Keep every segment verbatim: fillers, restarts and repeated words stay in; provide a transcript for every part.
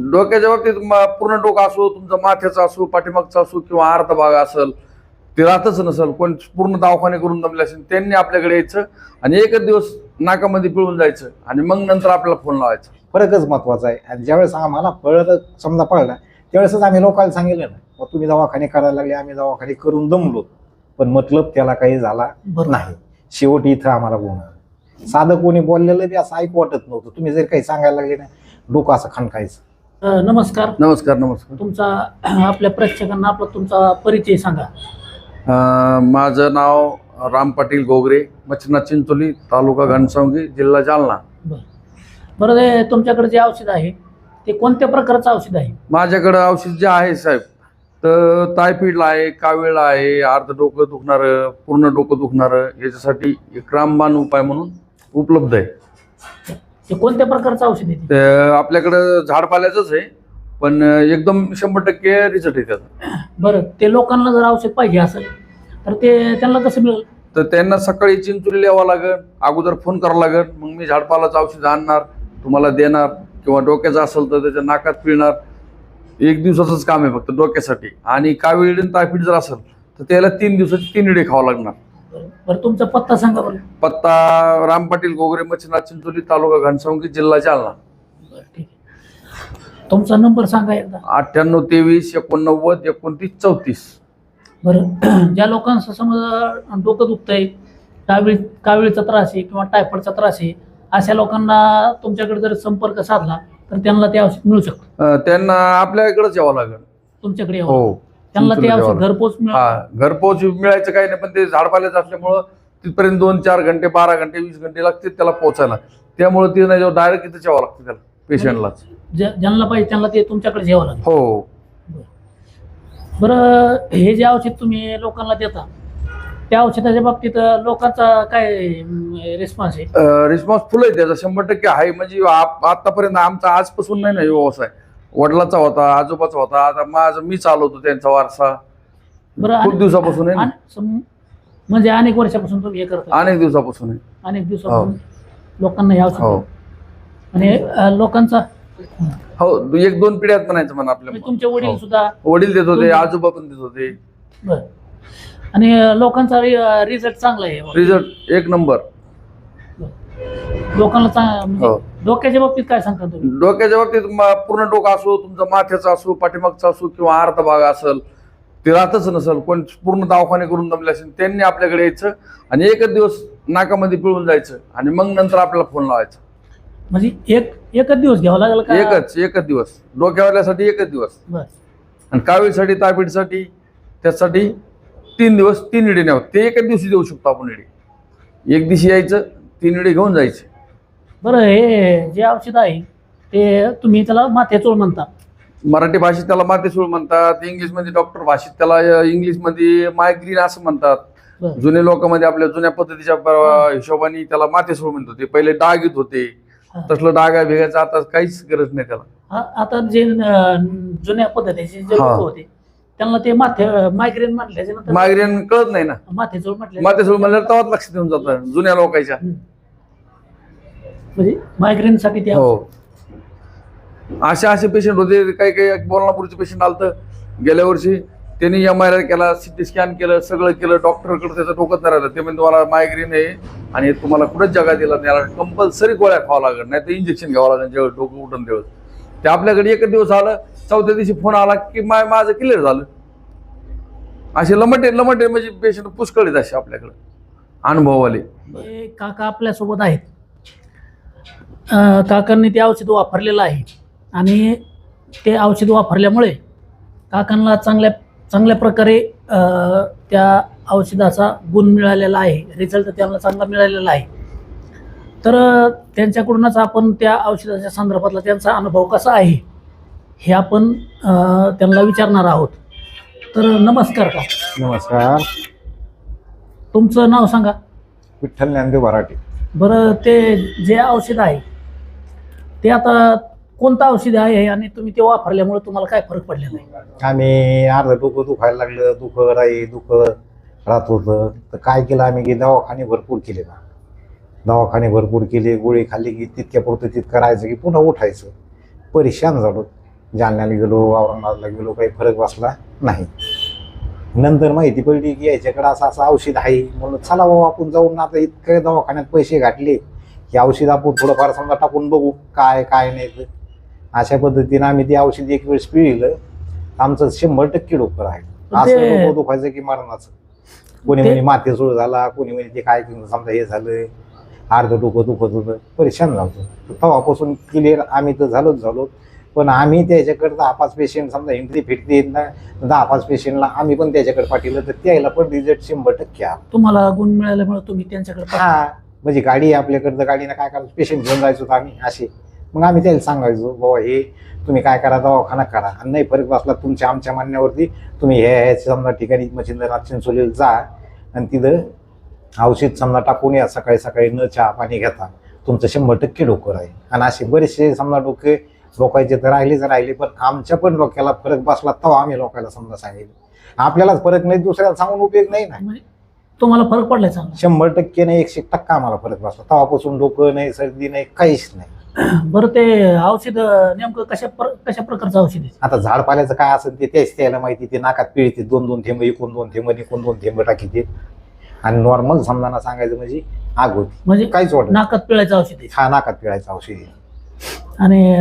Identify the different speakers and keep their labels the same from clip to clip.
Speaker 1: डोक्याच्या बाबतीत पूर्ण डोकं असो, तुमचा माथ्याचा असो, पाठीमागचा असो किंवा अर्धा भाग असेल, ते राहतच नसेल, कोण पूर्ण दवाखाने करून दमले असेल, त्यांनी आपल्याकडे यायचं आणि एकच दिवस नाकामध्ये पिळून जायचं आणि मग नंतर आपल्याला फोन लावायचा.
Speaker 2: फरकच महत्वाचा आहे. आणि ज्यावेळेस आम्हाला कळलं, समजा पळला, त्यावेळेसच आम्ही लोकांना सांगितलं ना, मग तुम्ही दवाखाने करायला लागले, आम्ही दवाखाने करून दमलो, पण मतलब त्याला काही झाला नाही. शेवटी इथं आम्हाला बोलणार साधं कोणी बोललेलं बी असं ऐकू वाटत नव्हतं. तुम्ही जर काही सांगायला लागले ना, डोकं असं खणकायचं.
Speaker 3: नमस्कार.
Speaker 1: नमस्कार. नमस्कार.
Speaker 3: तुमचा आपल्या प्रेक्षकांना आपला तुमचा परिचय सांगा.
Speaker 1: माझं नाव राम पाटील गोगरे, मच्छिनाथ चिंचोली, तालुका घनसावंगी, जिल्हा जालना.
Speaker 3: बरं बरं ते तुमच्याकडे जे औषध आहे ते कोणत्या प्रकारचं औषध आहे?
Speaker 1: माझ्याकडं औषध जे आहे साहेब, तर टायफॉइडला आहे, कावीळला आहे, अर्ध डोकं दुखणारं, पूर्ण डोकं दुखणारं, याच्यासाठी एक रामबाण उपाय म्हणून उपलब्ध आहे.
Speaker 3: ते कोणत्या प्रकारचं औषध आहे?
Speaker 1: ते आपल्याकडं झाडपाल्याचंच आहे, पण एकदम शंभर टक्के रिझल्ट आहे त्याचा.
Speaker 3: बरं, ते लोकांना जर औषध पाहिजे असेल तर ते त्यांना कसं मिळेल?
Speaker 1: तर त्यांना सकाळी चिंचोली यावं लागेल, अगोदर फोन करावं लागेल, मग मी झाडपालाचं औषध आणणार, तुम्हाला देणार. किंवा डोक्याचं असेल तर त्याच्या नाकात पिळणार. एक दिवसाचंच काम आहे फक्त डोक्यासाठी. आणि कावीळ टायफॉइड जर असेल तर त्याला तीन दिवसाची तीन इडे खावं लागणार.
Speaker 3: बरं, तुमचा पत्ता सांगा बरं.
Speaker 1: पत्ता राम पाटील गोगरे, मच्छिनाथ चिंचोली, तालुका घनसावंगी, जिल्हा जालना.
Speaker 3: बरं, ठीक आहे. तुमचा नंबर सांगा एकदा.
Speaker 1: अठ्ठ्याण्णव तेवीस एकोणनव्वद एकोणतीस चौतीस.
Speaker 3: बरं, ज्या लोकांचं समजा डोकं दुखतंय, कावीळ कावीळचा त्रास आहे किंवा टायफॉइडचा त्रास आहे, अशा लोकांना तुमच्याकडे जर संपर्क साधला तर त्यांना ते औषध मिळू शकतं?
Speaker 1: त्यांना आपल्याकडेच यावं लागेल.
Speaker 3: तुमच्याकडे यावं?
Speaker 1: हो.
Speaker 3: त्यांना ते औषध घरपोच मिळेल?
Speaker 1: हा, घरपोच मिळायचं काही नाही, पण ते झाडपाल्याचं असल्यामुळं तिथपर्यंत दोन चार घंटे बारा घंटे वीस घंटे लागतील त्याला पोहोचायला. त्यामुळे ते नाही, डायरेक्ट इथंच यावं लागतं त्याला, पेशंटलाच.
Speaker 3: ज्यांना पाहिजे त्यांना ते तुमच्याकडे यावं लागेल?
Speaker 1: हो.
Speaker 3: बरं, हे जे औषध तुम्ही लोकांना देता त्या औषधाच्या बाबतीत लोकांचा काय रिस्पॉन्स आहे?
Speaker 1: रिस्पॉन्स फुल आहे त्याचा, शंभर टक्के आहे. म्हणजे आतापर्यंत आमचा आजपासून नाही ना व्यवसाय, वडिलाचा होता, आजोबाचा होता, आता माझं मी चालवतो त्यांचा वारसा.
Speaker 3: बरं,
Speaker 1: खूप दिवसापासून आहे.
Speaker 3: म्हणजे अनेक वर्षापासून तुम्ही हे करता?
Speaker 1: अनेक दिवसापासून आहे.
Speaker 3: अनेक दिवसापासून लोकांना हे औषध. आणि लोकांचा
Speaker 1: हो, एक दोन पिढ्यात म्हणायचं म्हणा आपल्या.
Speaker 3: तुमचे वडील सुद्धा?
Speaker 1: वडील देत होते, आजोबा पण देत होते.
Speaker 3: बरं, आणि लोकांचा रिझल्ट चांगला आहे?
Speaker 1: रिझल्ट एक नंबर.
Speaker 3: लोकांना डोक्याच्या बाबतीत काय सांगता तुम्ही?
Speaker 1: डोक्याच्या बाबतीत पूर्ण डोकं असो, तुमचा माथ्याचा असो, पाठीमागचा असो किंवा अर्धा भाग असेल, ते राहतच नसेल, कोण पूर्ण दवाखाने करून दमले असेल, त्यांनी आपल्याकडे यायचं आणि एकच दिवस नाकामध्ये पिळून जायचं आणि मग नंतर आपल्याला फोन लावायचा.
Speaker 3: म्हणजे एक एकच दिवस घ्यावा लागेल का?
Speaker 1: एकच एकच दिवस. डोक्यावाल्यासाठी एकच दिवस.
Speaker 3: बरं.
Speaker 1: आणि कावीळसाठी, टायफॉइडसाठी, त्यासाठी तीन दिवस तीन इडे न्यावं. ते एकाच दिवशी देऊ शकतो आपण इडे. एक दिवशी यायचं, तीन इडे घेऊन जायचे.
Speaker 3: बरं, हे जे औषध आहे ते तुम्ही त्याला माथ्याचोळ म्हणता?
Speaker 1: मराठी भाषेत त्याला माथेसूळ म्हणतात, इंग्लिशमध्ये डॉक्टर भाषेत त्याला इंग्लिशमध्ये मायग्रीन असं म्हणतात. जुने लोकांमध्ये आपल्या जुन्या पद्धतीच्या हिशोबाने त्याला माथेसूळ म्हणत होते. पहिले डाग येत होते, तसलं डागा भेगायचं आता काहीच गरज नाही त्याला.
Speaker 3: आता जे जुन्या पद्धतीचे जे लोक होते त्यांना ते माथे मायग्रेन म्हटल्याच्या नंतर
Speaker 1: मायग्रेन कळत नाही ना.
Speaker 3: माथेचूळ म्हटलं
Speaker 1: माथेसूळ म्हणल्यावर तेव्हाच लक्षात येऊन जातं जुन्या लोकांच्या.
Speaker 3: म्हणजे मायग्रेन साठी ते.
Speaker 1: हो, असे असे पेशंट होते. काही काही बोलणापूरचे पेशंट आलतं गेल्या वर्षी, त्यांनी एम आर आय केला, सिटी स्कॅन केलं, सगळं केलं, डॉक्टरकडे त्याचं डोकंच नाही राहिलं. ते म्हणजे तुम्हाला मायग्रेन आहे आणि तुम्हाला कुठंच जगा दिला त्याला कंपल्सरी गोळ्या खावा लागेल, नाही तर इंजेक्शन घ्यावं लागेल जेव्हा डोकं उठून तेव्हा. ते आपल्याकडे एकच दिवस आलं, चौथ्या दिवशी फोन आला की माय माझं क्लिअर झालं. असे लमटे लमटे म्हणजे पेशंट पुष्कळ आहेत असे आपल्याकडे अनुभववाले.
Speaker 3: काका आपल्यासोबत आहेत. काकांनी ते औषध वापरलेलं आहे आणि ते औषध वापरल्यामुळे काकांना चांगल्या चांगल्या प्रकारे त्या औषधाचा गुण मिळालेला आहे, रिझल्ट त्यांना चांगला मिळालेला आहे. तर त्यांच्याकडूनच आपण त्या औषधाच्या संदर्भातला त्यांचा अनुभव कसा आहे हे आपण त्यांना विचारणार आहोत. तर नमस्कार का?
Speaker 2: नमस्कार.
Speaker 3: तुमचं नाव सांगा.
Speaker 2: विठ्ठल ज्ञानदेव भराटे.
Speaker 3: बरं, ते जे औषध आहे ते आता कोणतं औषध आहे आणि तुम्ही ते वापरल्यामुळे तुम्हाला काय फरक पडलेला आहे?
Speaker 2: आम्ही अर्ध डोकं दुखायला लागलं, दुखं राही दुखं राहत होतं, तर काय केलं आम्ही की दवाखाने भरपूर केले ना. दवाखाने भरपूर केले, गोळी खाल्ली की तितक्या पुरतं तितकं राहायचं की पुन्हा उठायचं. परेशान झालो. जालन्याला गेलो, औरंगाबादला गेलो, काही फरक बसला नाही. नंतर माहिती पडली की याच्याकडे असं असं औषध आहे, म्हणून चला बाबा आपण जाऊन आता इतकं दवाखान्यात पैसे घातले की औषध आपण थोडंफार समजा टाकून बघू काय काय नाही तर. अशा पद्धतीनं आम्ही ते औषध एक वेळेस पिळलं, आमचं शंभर टक्के डोकं आहे. असं
Speaker 3: ते-
Speaker 2: डोकं दुखायचं की मरणाचं. कोणी
Speaker 3: ते-
Speaker 2: म्हणे माथे सुरू झाला, कोणी म्हणे ते काय समजा हे झालं, अर्ध डोकं दुखत होतं, परेशान झालं. तेव्हापासून क्लिअर आम्ही तर झालोच झालो. पण आम्ही त्याच्याकडे दहा पाच पेशंट समजा हिंदी फिरते येत ना, दहा पाच पेशंटला आम्ही पण त्याच्याकडे पाठवलं तर त्याला पण रिझल्ट शंभर टक्के आला.
Speaker 3: तुम्हाला गुण मिळाल्यामुळे तुम्ही त्यांच्याकडे पाठवा.
Speaker 2: हा म्हणजे गाडी आहे आपल्याकडे, तर गाडीनं काय करायचं, पेशंट घेऊन जायचो तर आम्ही असे. मग आम्ही त्याला सांगायचो बाबा हे तुम्ही काय करा, दवाखाना करा, आणि नाही फरक बसला तुमच्या आमच्या म्हणण्यावरती तुम्ही हे ह्या समजा ठिकाणी मच्छिंद्रनाथ चिंचोलीला जा आणि तिथं औषध समजा टाकून या, सकाळी सकाळी न चहा पाणी घेता तुमचं शंभर टक्के डोकं राहील. आणि असे बरेचसे समजा डोके लोकांचे तर राहिलेच राहिले, पण आमच्या पण डोक्याला फरक बसला तेव्हा आम्ही लोकांना समजा सांगितलं. आपल्यालाच फरक नाही, दुसऱ्याला सांगून उपयोग नाही ना.
Speaker 3: म्हणजे तुम्हाला फरक पडलाय चांगला.
Speaker 2: शंभर टक्के नाही, एकशे टक्का आम्हाला फरक बसला. तेव्हापासून डोकं नाही, सर्दी नाही, काहीच नाही.
Speaker 3: बरं ते औषध नेमकं कशा प्र- कशा प्रकारचं औषध आहे?
Speaker 2: आता झाड पाल्याचं काय असेल ते त्याच त्याला माहिती. ते नाकात पिळते, दोन दोन थेंब इकून दोन थेंब इकून दोन थेंब टाकीते, आणि नॉर्मल समजाना सांगायचं म्हणजे आग होती,
Speaker 3: म्हणजे
Speaker 2: काहीच वाटत.
Speaker 3: नाकात पिळायचं औषध आहे.
Speaker 2: हा नाकात पिळायचं औषध आहे.
Speaker 3: आणि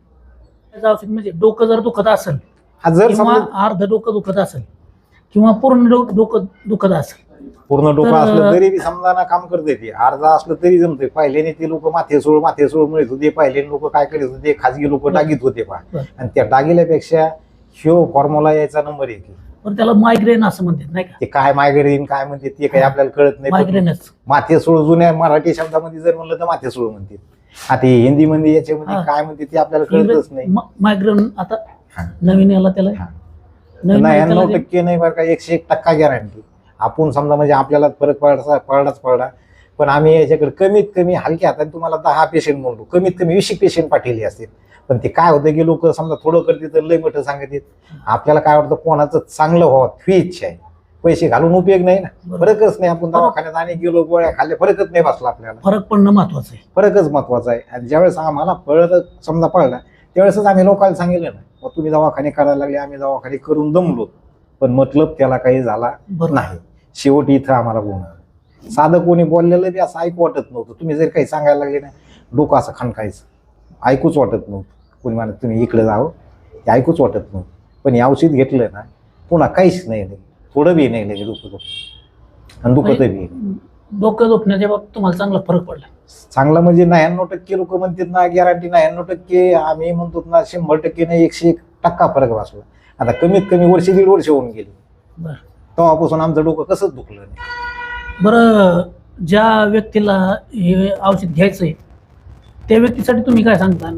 Speaker 3: त्याचं औषध म्हणजे डोकं जर दुखत असेल
Speaker 2: हा जर
Speaker 3: किंवा
Speaker 2: समजा
Speaker 3: अर्ध डोकं दुखत असेल किंवा पूर्ण डो- डोकं दुखत असेल,
Speaker 2: पूर्ण डोकं
Speaker 3: तर-
Speaker 2: असलं तरी बी समजाना काम करते ते, अर्धा असलं तरी जमते. पहिल्याने ते लोक माथे सोड माथे सोड मिळत होते, पहिले लोक काय करत होते, खाजगी लोक डागीत होते पहा,
Speaker 3: बरं.
Speaker 2: आणि त्या डागिल्यापेक्षा ह्यो फॉर्म्युला यायचा नंबर एक आहे.
Speaker 3: पण त्याला मायग्रेन असं म्हणतात नाही का?
Speaker 2: ते काय मायग्रेन काय म्हणते ते काही आपल्याला कळत नाही. पण
Speaker 3: मायग्रेनच.
Speaker 2: माथे सोड जुन्या मराठी शब्दामध्ये जर म्हणलं तर माथे सोड म्हणते. आता हे हिंदीमध्ये याच्यामध्ये
Speaker 3: हा.
Speaker 2: काय म्हणते ते आपल्याला कळतच नाही.
Speaker 3: मायग्रेन आता
Speaker 2: हा.
Speaker 3: नवीन याला त्याला
Speaker 2: हा.
Speaker 3: नवीन
Speaker 2: नव्याण्णव
Speaker 3: त्याला जे-
Speaker 2: टक्के नाही बरं का, एकशे एक टक्का गॅरंटी. आपण समजा म्हणजे आपल्याला फरक पडला पडलाच पडला, पण आम्ही याच्याकडे कमीत कमी हलक्या हाताने तुम्हाला दहा पेशंट म्हणतो, कमीत कमी वीस पेशंट पाठवले असतील. पण ते काय होतं की लोक समजा थोडं करते तर लय मोठं सांगत येत. आपल्याला काय वाटतं कोणाचं चांगलं व्हावं ही इच्छा आहे, पैसे घालून उपयोग नाही ना.
Speaker 3: बरोबर.
Speaker 2: फरकच नाही, आपण दवाखान्यात आणि गेलो गोळ्या खाल्ल्या फरकच नाही बसला आपल्याला.
Speaker 3: फरक पडणं महत्वाचं आहे.
Speaker 2: फरकच महत्वाचा आहे. आणि ज्यावेळेस आम्हाला फळ समजा पडला त्यावेळेसच आम्ही लोकांना सांगितलं ना, मग तुम्ही दवाखाने करायला लागले, आम्ही दवाखाने करून दमलो, पण मतलब त्याला काही झाला
Speaker 3: बरोबर.
Speaker 2: नाही. शेवटी इथं आम्हाला गुन्हा. साधं कोणी बोललेलं बी असं ऐकू वाटत नव्हतं. तुम्ही जर काही सांगायला लागले ना, डोकं असं खणकायचं, ऐकूच वाटत नव्हतं. कोणी म्हणत तुम्ही इकडे जावं, ते ऐकूच वाटत नव्हतं. पण हे औषध घेतलं ना पुन्हा काहीच नाही लगे, थोडं बी नाही लगे डोकं दुखत, आणि दुखत बी
Speaker 3: डोकं दुखण्याच्या बाबतीत तुम्हाला चांगला फरक पडला.
Speaker 2: चांगला म्हणजे नव्याण्णव टक्के लोक म्हणतात ना गॅरंटी, नव्याण्णव टक्के आम्ही म्हणतो ना शंभर टक्के नाही, एकशे एक टक्का फरक बसला. आता कमीत कमी वर्ष दीड वर्ष होऊन गेली,
Speaker 3: बरं
Speaker 2: तेव्हापासून आमचं डोकं कसंच दुखलं नाही.
Speaker 3: बरं ज्या व्यक्तीला हे औषध घ्यायचंय त्या व्यक्तीसाठी तुम्ही काय सांगता?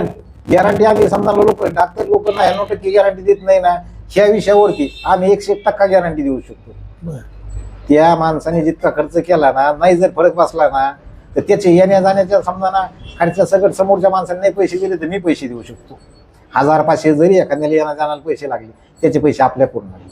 Speaker 2: गॅरंटी आम्ही समजा लोक डॉक्टर लोक नव्याण्णव टक्के गॅरंटी देत नाही ना, ह्या विषयावरती आम्ही एकशे एक टक्का गॅरंटी देऊ शकतो.
Speaker 3: बरं.
Speaker 2: त्या माणसाने जितका खर्च केला ना, नाही जर फरक बसला ना तर त्याचे येण्या जाण्याच्या समजा ना खर्चा सगळं समोरच्या माणसाने नाही पैसे दिले तर मी पैसे देऊ शकतो. हजार पाचशे जरी एखाद्याला येण्या जाण्याला पैसे लागले, त्याचे पैसे आपल्या पूर्ण लागले.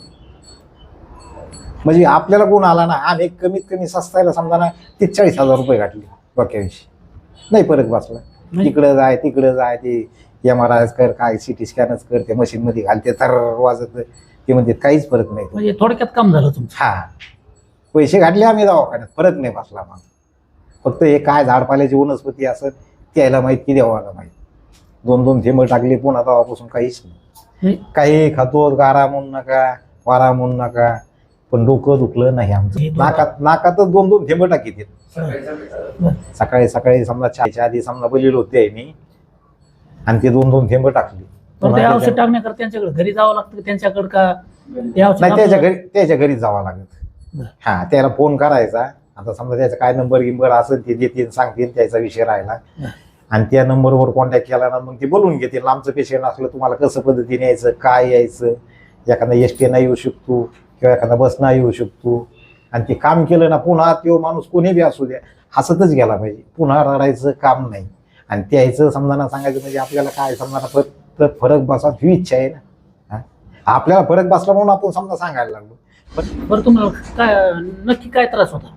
Speaker 2: म्हणजे आपल्याला गुण आला ना, आम्ही कमीत कमी सस्तायला समजा ना ते चाळीस हजार रुपये घातले डोक्याविषयी, नाही फरक बसला. तिकडं जाय तिकडं जाय, ते एम आर आय कर, काय सिटी स्कॅनच कर, त्या मशीनमध्ये घालते तर वाजत, ते म्हणजे काहीच फरक नाही.
Speaker 3: म्हणजे थोडक्यात काम झालं तुमचं.
Speaker 2: हा पैसे घातले आम्ही दवाखान्यात, फरक नाही बसला. मग फक्त हे काय झाडपाल्याची वनस्पती असत त्याला माहीत की देवाला माहीत. दोन दोन थेंब टाकले पुन्हा तेव्हापासून काहीच नाही.
Speaker 3: म्हणजे
Speaker 2: काही खातो, गारा म्हणू नका, वारा म्हणू नका, पण डोकं दुखलं नाही आमचं. नाकात नाकातच दोन दोन थेंब टाकीत.
Speaker 3: बरं.
Speaker 2: सकाळी सकाळी समजा चहाच्या आधी समजा बोललेलो होते मी, आणि ते दोन दोन थेंब टाकले.
Speaker 3: पण ते औषध टाकण्याकरता त्यांच्याकडे घरी जावं लागतं त्यांच्याकडे का ते औषध
Speaker 2: नाही, त्याच्या
Speaker 3: आपलं-
Speaker 2: घरी त्याच्या घरीच जावं लागत.
Speaker 3: बरं.
Speaker 2: हा त्याला फोन करायचा. आता समजा त्याचा काय नंबर गिंबर असेल ते देतील, सांगतील, त्याचा विषय राहिला, आणि त्या नंबरवर कॉन्टॅक्ट केला ना मग ते बोलून घेतील. आमचं पेशंट असलं तुम्हाला कसं पद्धतीने यायचं, काय यायचं, एखादा एस टी नाही येऊ शकतो किंवा एखादा बस नाही येऊ शकतो, आणि ते काम केलं ना पुन्हा तो माणूस कोणी बी असू द्या हसतच गेला पाहिजे, पुन्हा रडायचं काम नाही. आणि त्याचं समजाना सांगायचं म्हणजे आपल्याला काय समजाना फक्त फरक बसा ही इच्छा आहे ना. हा? आपल्याला फरक बसला म्हणून आपण समजा सांगायला लागलो. पण
Speaker 3: बरं तुम्हाला काय नक्की काय त्रास होता?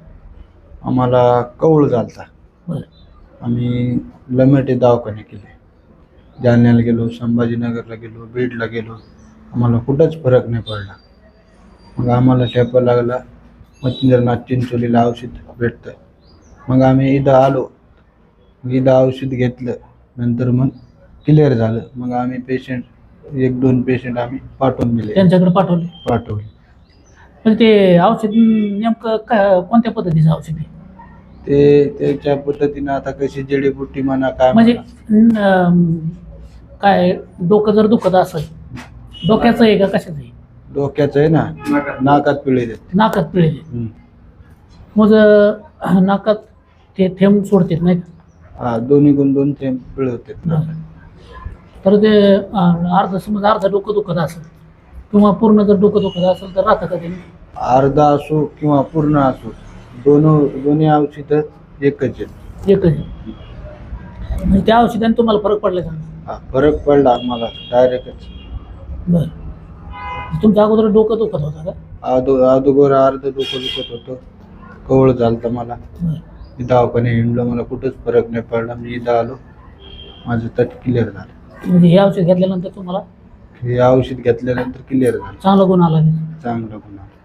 Speaker 4: आम्हाला कवळ झालता.
Speaker 3: बरं.
Speaker 4: आम्ही लमेटे दवाखाने केले, जालन्याला गेलो, संभाजीनगरला गेलो, बीडला गेलो, आम्हाला कुठंच फरक नाही पडला. मग आम्हाला ठेपा लागला मच्छिंद्रनाथ चिंचोलीला औषध भेटतं. मग आम्ही इथं आलो, मग इथं औषध घेतलं, नंतर मग क्लिअर झालं. मग आम्ही पेशंट एक दोन पेशंट आम्ही पाठवून दिले
Speaker 3: त्यांच्याकडे पाठवले.
Speaker 4: पाठवले
Speaker 3: पण ते औषध नेमकं काय कोणत्या पद्धतीचं औषध आहे?
Speaker 4: ते त्याच्या पद्धतीनं आता कशी जडीबुटी म्हणा काय
Speaker 3: म्हणजे
Speaker 4: म्हणा.
Speaker 3: अं, काय डोकं जर दुखत असेल, डोक्याचं आहे का कशाचं आहे?
Speaker 4: डोक्याचं आहे ना, नाकात पिळे देते.
Speaker 3: नाकात पिळे.
Speaker 4: हम्म.
Speaker 3: मग अं, नाकात ते थेंब सोडतात नाही का?
Speaker 4: हा, दोन्ही गुण दोन थेंब पिळे होते नाकात.
Speaker 3: तर ते अं, अर्ध समज अर्ध डोकं दुखत असेल किंवा पूर्ण जर डोकं दुखत असेल तर राहतं का ते?
Speaker 4: अर्धा असो किंवा पूर्ण असो, दोन दोन्ही औषधं एकच आहेत.
Speaker 3: एकच आहे. म्हणजे त्या औषधाने तुम्हाला फरक पडला का?
Speaker 4: हा, फरक पडला आम्हाला डायरेक्टच.
Speaker 3: बरं. तुमच्या अगोदर डोकं दुखत होतं का?
Speaker 4: आदो अगोदर अर्ध डोकं दुखत होतं, कवळ झालं मला.
Speaker 3: बरं.
Speaker 4: मी दवाखाने हिंडलो, मला कुठंच फरक नाही पडला. मी इथं आलो, माझं तट क्लिअर झालं.
Speaker 3: म्हणजे हे औषध घेतल्यानंतर तुम्हाला
Speaker 4: हे औषध घेतल्यानंतर क्लिअर झालं,
Speaker 3: चांगला गुण आला.
Speaker 4: चांगलं गुण आलं.